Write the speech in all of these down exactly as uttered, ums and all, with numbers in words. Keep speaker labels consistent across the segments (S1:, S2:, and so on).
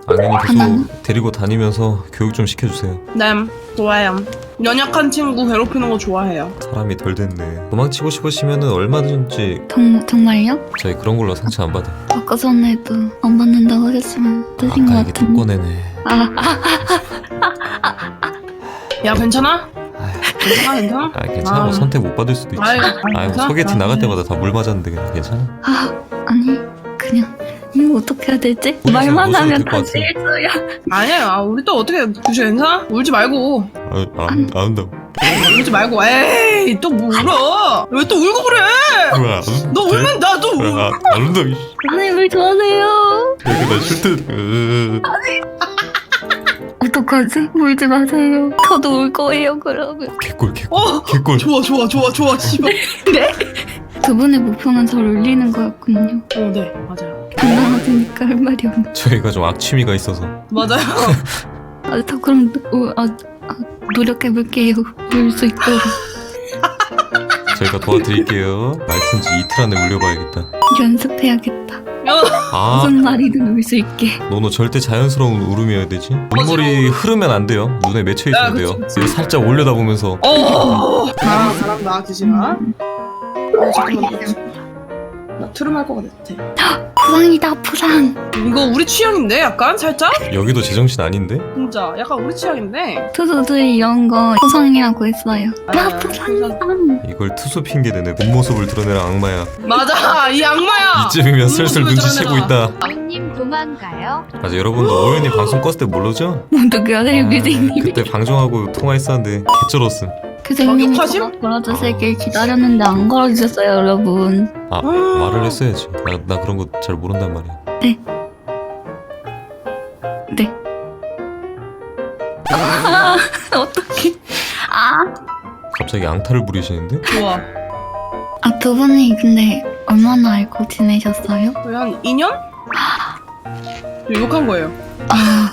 S1: 악연이
S2: 하나는?
S1: 계속 데리고 다니면서 교육 좀 시켜주세요.
S3: 네, 좋아요. 연약한 친구 괴롭히는 거 좋아해요.
S1: 사람이 덜 됐네. 도망치고 싶으시면은 얼마든지
S2: 정, 정말요?
S1: 저희 그런 걸로 상처 안 받아.
S2: 아까 전에도 안 받는다고 하셨지만 뜨신 것
S1: 아까 이게 또
S2: 같은데.
S1: 꺼내네.
S2: 아, 아,
S3: 야, 괜찮아?
S1: 아휴,
S3: 괜찮아, 괜찮아?
S1: 아 괜찮아.
S3: 아.
S1: 선택 못 받을 수도 있지.
S3: 아유,
S1: 아유
S3: 괜찮아?
S1: 소개팅
S3: 아,
S1: 나갈
S3: 그래.
S1: 때마다 다 물 맞았는데 그냥 괜찮아?
S2: 아, 아니 그냥 이거 어떻게 해야 되지?
S1: 우리
S2: 말만
S1: 웃어도
S2: 하면
S1: 될것
S2: 다
S1: 같아.
S2: 실수야.
S3: 아니야, 아, 우리 또 어떻게, 규시 괜찮아? 울지 말고.
S1: 아, 안, 안 운다고.
S3: 울지 말고. 에이, 또 뭐 울어? 왜 또 울고 그래?
S1: 뭐야, 안 운-
S3: 너 울면 나도 울.
S1: 아, 안 운다고. 이씨.
S2: 선생님을 좋아하세요.
S1: 여기 나 싫대. 으.
S2: 어떡하지? 울지 마세요. 저도 울 거예요 그러면.
S1: 개꿀 개꿀
S3: 어,
S1: 개꿀.
S3: 좋아, 좋아, 좋아, 좋아, 씨발.
S2: 두 분의 목표는 저를 울리는 거였군요.
S3: 어, 네, 맞아요.
S2: 당당하시니까 할 말이 없네.
S1: 저희가 좀 악취미가 있어서.
S3: 맞아요.
S2: 아, 저 그럼 우, 아, 아, 노력해볼게요. 울 수 있도록.
S1: 저희가 도와드릴게요. 말튼지 이틀 안에 울려봐야겠다.
S2: 연습해야겠다.
S1: 아,
S2: 무슨 말이든 울 수 있게.
S1: 너너 절대 자연스러운 울음이어야 되지. 눈물이 흐르면 안 돼요. 눈에 맺혀 있어야
S3: 야, 그치,
S1: 돼요.
S3: 그치.
S1: 이거 살짝 올려다보면서.
S3: 어, 나랑 잘한다, 규시가. 어, 잠깐만. 나 트름 할 것 같아.
S2: 부상이다 부상.
S3: 이거 우리 취향인데, 약간? 살짝?
S1: 여기도 제정신 아닌데?
S3: 진짜, 약간 우리 취향인데?
S2: 투수들이 이런 거 부상이라고 했어요.
S3: 아,
S2: 나 부상이다.
S1: 이걸 투수 핑계 대네. 본 모습을 드러내는 악마야.
S3: 맞아, 이 악마야!
S1: 이쯤이면 슬슬
S3: 모습을
S1: 눈치채고
S3: 드러내라.
S1: 있다.
S4: 오윤님 도망가요.
S1: 맞아, 여러분도 오연이 방송 껐을 때 모르죠?
S2: 어떡해요 교수님.
S1: 그때 방송하고 통화했었는데 개쩔었음.
S2: 교수님이
S3: 어, 욕하심?
S2: 저거 걸어주시길 기다렸는데 안 걸어주셨어요 여러분.
S1: 아, 말을 했어야지. 나, 나 그런 거 잘 모른단 말이야.
S2: 네. 네. 아, 어떡해. 아.
S1: 갑자기 앙탈을 부리시는데?
S3: 좋아.
S2: 아, 두 분이 근데 얼마나 알고 지내셨어요?
S3: 거의 한 이 년? 저 욕한 거예요.
S2: 아,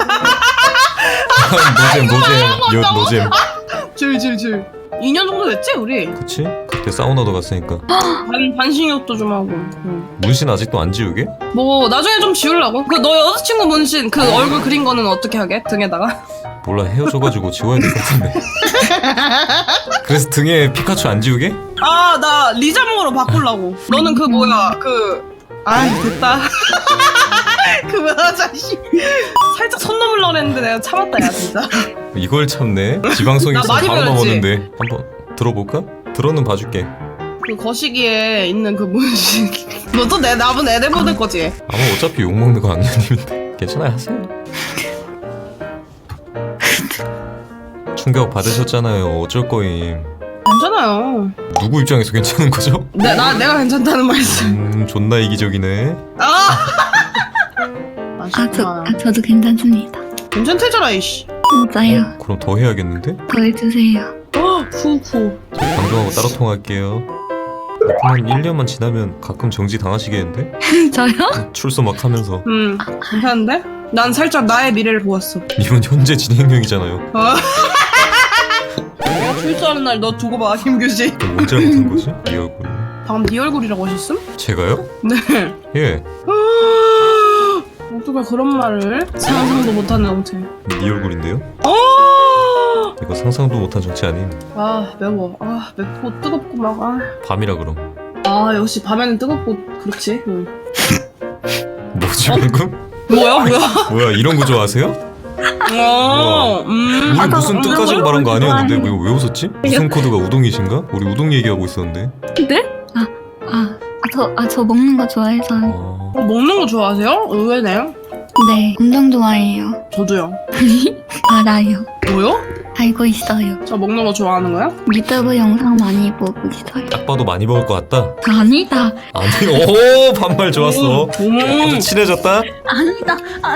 S1: 노잼 노잼 요 노잼.
S3: 질질질. 이 년 정도 됐지, 우리?
S1: 그치? 그때 사우나도 갔으니까.
S3: 반, 반신욕도 좀 하고. 응.
S1: 문신 아직도 안 지우게?
S3: 뭐, 나중에 좀 지우려고. 그, 너 여자친구 문신, 그 얼굴 그린 거는 어떻게 하게? 등에다가?
S1: 몰라, 헤어져가지고 지워야 될 것 같은데. 그래서 등에 피카츄 안 지우게?
S3: 아, 나 리자몽으로 바꾸려고. 너는 그 뭐야, 그. 아, 됐다. 그만하자, 씨. 살짝 손 넘으려고 했는데 내가 참았다, 야, 진짜.
S1: 이걸 참네. 지방송이
S3: 나
S1: 있어
S3: 많이
S1: 바로
S3: 배웠지?
S1: 넘었는데. 한번 들어볼까? 들어는 봐줄게.
S3: 그 거시기에 있는 그 문신. 너 또 내, 나분 애들 보낼 거지?
S1: 아마 어차피 욕먹는 거 악녀님인데. 괜찮아요, 하세요. 충격 받으셨잖아요. 어쩔 거임.
S3: 괜찮아요.
S1: 누구 입장에서 괜찮은 거죠?
S3: 내, 나, 내가 괜찮다는 말씀.
S1: 음, 존나 이기적이네.
S3: 아!
S2: 아, 저,
S3: 아쉽구나.
S2: 아, 저도 괜찮습니다.
S3: 괜찮대잖아, 이씨.
S2: 진짜요.
S1: 어? 그럼 더 해야겠는데?
S2: 더 해주세요.
S3: 어, 푸푸.
S1: 저 방송하고 따로 통화할게요. 한 일 년만 지나면 가끔 정지 당하시겠는데?
S2: 저요?
S1: 출소 막 하면서.
S3: 음, 괜찮은데? 난 살짝 나의 미래를 보았어.
S1: 이건 현재 진행형이잖아요.
S3: 어. 내가 출소하는 날 너 두고 봐, 김규지.
S1: 그럼 뭘 잘못한 거지? 이 얼굴.
S3: 방금 네 얼굴이라고 하셨음?
S1: 제가요?
S3: 네.
S1: 예.
S3: 어떻게 그런 말을? 상상도 못하는 정체.
S1: 네 얼굴인데요?
S3: 어!
S1: 이거 상상도 못한 정치 아님.
S3: 아, 매워. 아, 맵고 뜨겁고 막. 아,
S1: 밤이라 그럼.
S3: 아 역시 밤에는 뜨겁고 그렇지. 응.
S1: 뭐지
S3: 어?
S1: 방금?
S3: 뭐야, 뭐야?
S1: 뭐야 이런 거 좋아하세요?
S3: 어, 음.
S1: 우리 무슨
S2: 아,
S1: 뜻까지
S2: 나
S1: 말한 거 아니었는데
S2: 좋아해.
S1: 왜, 왜 웃었지? 무슨 코드가 우동이신가? 우리 우동 얘기하고 있었는데.
S2: 네? 아, 아, 아, 저, 아, 저 먹는 거 좋아해서.
S1: 어...
S3: 어, 먹는 거 좋아하세요? 의외네요.
S2: 네, 엄청 좋아해요.
S3: 저도요.
S2: 알아요.
S3: 뭐요?
S2: 알고 있어요.
S3: 저 먹는 거 좋아하는 거야?
S2: 유튜브 영상 많이 보고 있어요.
S1: 딱 봐도 많이 먹을 것 같다.
S2: 아니다,
S1: 아니, 오 반말 좋았어.
S3: 음.
S1: 아주 친해졌다.
S2: 아니다. 아,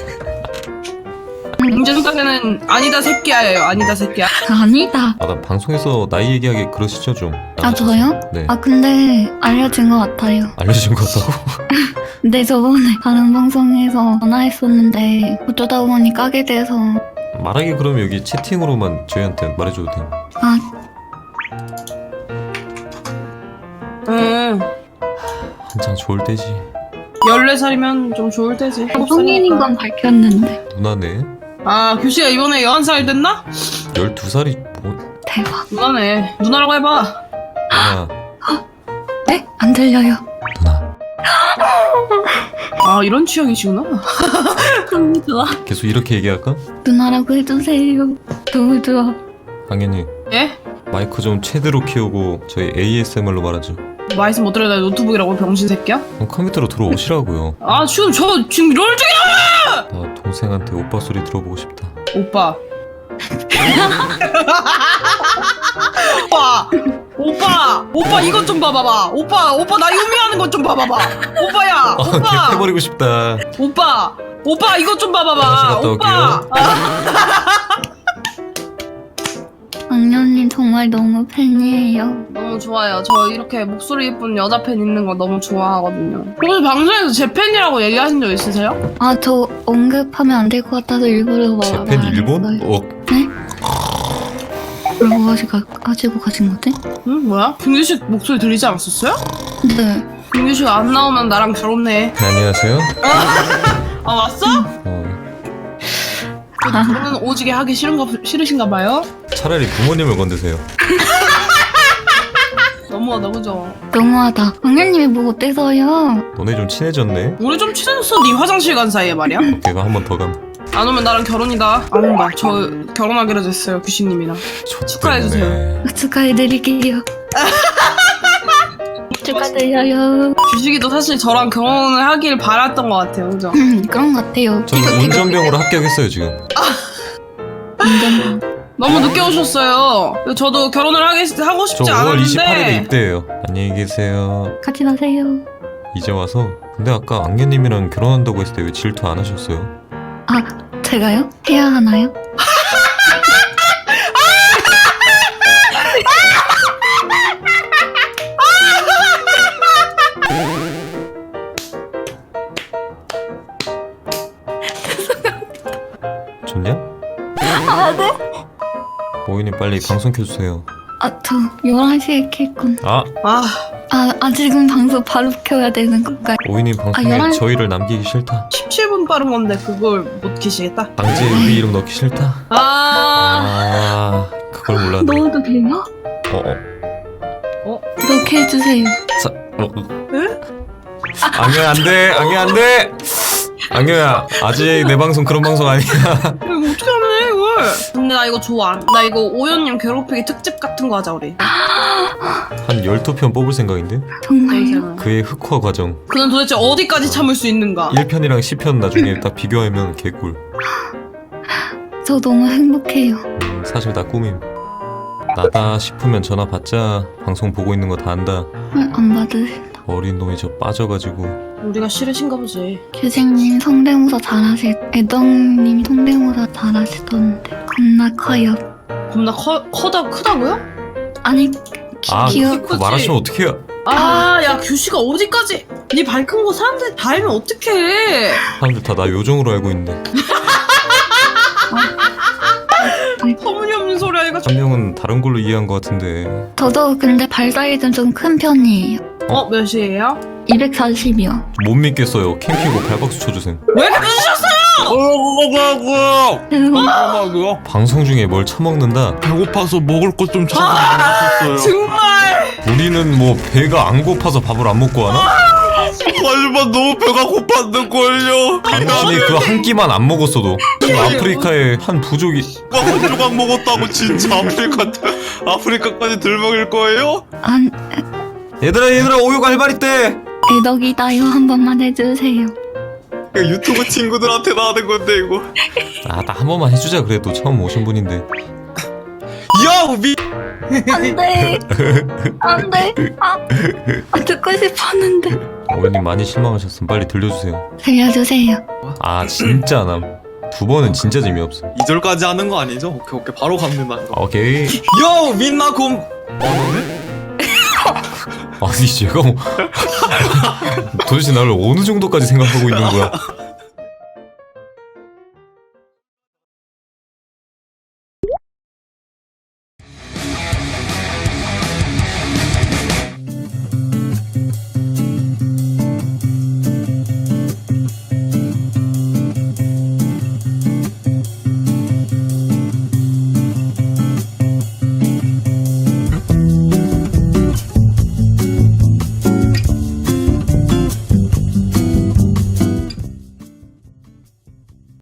S3: 문제 생각에는 아니다 새끼야예요. 아니다 새끼야.
S2: 아니다.
S1: 아 나 방송에서 나이 얘기하기 그러시죠 좀.
S2: 아, 저요?
S1: 네.
S2: 아, 근데 알려진 것 같아요.
S1: 알려준 것 같다고?
S2: 근데 저번에 다른 방송에서 전화했었는데 어쩌다 보니 까게 돼서.
S1: 말하기 그러면 여기 채팅으로만 저희한테 말해줘도 돼.
S2: 아,
S3: 응.
S1: 한창 좋을 때지.
S3: 열네 살이면 좀 좋을 때지.
S2: 성인인 건 밝혔는데.
S1: 누나네.
S3: 아 규씨가 이번에 열한 살 됐나?
S1: 열두 살이 뭐
S2: 대박.
S3: 누나네. 누나라고 해봐.
S1: 누나.
S2: 네? 안 들려요.
S1: 누나.
S3: 아 이런 취향이시구나.
S2: 너무 좋아.
S1: 계속 이렇게 얘기할까?
S2: 누나라고 해주세요. 너무 좋아.
S1: 당연히
S3: 예?
S1: 마이크 좀 최대로 키우고 저희 에이에스엠알로 말하죠.
S3: 말씀 못 들어야 노트북이라고 병신 새끼야?
S1: 그럼 컴퓨터로 들어오시라고요.
S3: 아 지금 저 지금 롤 중이야!
S1: 나 동생한테 오빠 소리 들어보고 싶다.
S3: 오빠. 오빠. 오빠. 오빠 이것 좀 봐봐봐. 오빠. 오빠 나 유미하는 것 좀 봐봐봐. 오빠야.
S1: 아,
S3: 오빠.
S1: 해버리고 싶다.
S3: 오빠. 오빠 이것 좀
S1: 다시
S3: 봐봐봐.
S1: 갔다
S3: 오빠.
S2: 악녀님 정말 너무 팬이에요.
S3: 너무 좋아요. 저 이렇게 목소리 예쁜 여자 팬 있는 거 너무 좋아하거든요. 혹시 방송에서 제 팬이라고 얘기하신 적 있으세요?
S2: 아, 저 언급하면 안 될 것 같아서 일부러 말
S1: 재팬 일본?
S2: 말했어요.
S1: 어,
S2: 네? 뭐 하시, 가, 가지고 가신 거지?
S3: 응? 뭐야? 김규식 목소리 들리지 않았었어요?
S2: 네.
S3: 김규식 안 나오면 나랑 결혼해.
S1: 안녕하세요.
S3: 아 왔어?
S1: 어,
S3: 결혼은 오지게 하기 싫은가, 싫으신가 봐요?
S1: 차라리 부모님을 건드세요.
S3: 너무하다 그죠?
S2: 너무하다. 악녀님이 뭐 어때서요?
S1: 너네 좀 친해졌네.
S3: 우리 좀 친해졌어. 네 화장실 간 사이에 말이야.
S1: 걔가 한 번 더 감.
S3: 안 오면 나랑 결혼이다. 안 온다. 저 결혼하기로 됐어요. 규식님이랑. 축하해주세요.
S2: 축하해드릴게요. 축하드려요.
S3: 규식이도 사실 저랑 결혼을 하길 바랐던 것 같아요. 그죠?
S2: 음, 그런 것 같아요.
S1: 저는 운전병으로 합격했어요 지금.
S2: 운전.
S3: 너무 늦게 오셨어요. 저도 결혼을 하기, 하고
S1: 저
S3: 싶지
S1: 오월
S3: 않았는데
S1: 이십팔일에 입대해요. 안녕히 계세요.
S2: 같이 가세요.
S1: 이제 와서. 근데 아까 악녀님이랑 결혼한다고 했을 때 왜 질투 안 하셨어요?
S2: 아, 제가요? 해야 하나요?
S1: 좋냐?
S2: 아, 네?
S1: 모이님 빨리 방송 켜주세요.
S2: 아, 저 열한 시에 킬건.
S1: 아!
S3: 아
S2: 아, 아, 지금 방송 바로 켜야 되는 건가요?
S1: 모이님 방송에
S2: 열한 시
S1: 저희를 남기기 싫다.
S3: 십칠 분 빠른 건데 그걸 못 키시겠다.
S1: 강제 우리 이름 넣기 싫다.
S3: 아,
S1: 아, 그걸 몰랐네.
S2: 넣어도 돼요?
S1: 어, 어.
S3: 어?
S2: 넣게 해주세요.
S1: 사, 어, 어.
S3: 응?
S1: 악녀야 안돼, 악녀야 안돼. 악녀야 아직 내 방송 그런 방송 아니야.
S3: 이거 어떻게 하네 이걸. 근데 나 이거 좋아. 나 이거 오연님 괴롭히기 특집 같은 거 하자 우리.
S1: 한 열두 편 뽑을 생각인데?
S2: 정말요?
S1: 그의 흑화 과정.
S3: 그는 도대체 어디까지 참을 수 있는가?
S1: 일 편이랑 십 편 나중에 딱 비교하면 개꿀.
S2: 저 너무 행복해요.
S1: 음, 사실 다 꿈임. 나다 싶으면 전화 받자. 방송 보고 있는 거 다 안다.
S2: 왜 안 받으신다.
S1: 어린 놈이 저 빠져가지고.
S3: 우리가 싫으신가 보지.
S2: 규생님 성대모사 잘하시, 애덕님이 성대모사 잘하시던데 겁나 커요.
S3: 겁나 커, 커다, 크다고요?
S2: 아니, 키,
S1: 아,
S2: 귀여.
S1: 그거 말하시면 어떡해요?
S3: 아, 야, 규씨가 어디까지? 네 밝은 거 사람들이 다 알면 어떡해.
S1: 사람들 다 나 요정으로 알고 있는데.
S3: 터무니없는 소리 하니까.
S1: 한 명은 다른 걸로 이해한 것 같은데.
S2: 저도 근데 발 사이즈는 좀 큰 편이에요.
S3: 어, 몇 시에요?
S2: 이백사십이요.
S1: 못 믿겠어요. 캠핑고 발박수 쳐주셈.
S3: 왜 끊으셨어요?
S4: 뭐라고요?
S1: 방송 중에 뭘 처먹는다?
S4: 배고파서 먹을 것 좀 찾아서 먹었어요.
S3: 정말.
S1: 우리는 뭐 배가 안 고파서 밥을 안 먹고 하나?
S4: 하지만 너무 배가 고팠는걸요.
S1: 당신이 그 한 끼만 안 먹었어도 지금 아프리카의 한 부족이
S4: 한 조각 먹었다고 진짜 아프리카 아프리카까지 들먹일 거예요?
S2: 안,
S1: 얘들아 얘들아 오육 알바리 때
S2: 애덕이다요. 한 번만 해주세요.
S4: 이거 유튜브 친구들한테 나하는 건데 이거.
S1: 아 나 한 번만 해주자 그래도 처음 오신 분인데.
S4: 야 미.
S2: 안 돼. 안 돼. 아, 아, 듣고 싶었는데.
S1: 어머님 많이 실망하셨으면 빨리 들려주세요.
S2: 들려주세요.
S1: 아 진짜 안 함. 두 번은 진짜 재미없어.
S4: 이 절까지 하는 거 아니죠? 오케이 오케이 바로 갑니다.
S1: 오케이.
S4: 요 민나 곰. 어네?
S1: 아니 제가 뭐 도대체 나를 어느 정도까지 생각하고 있는 거야?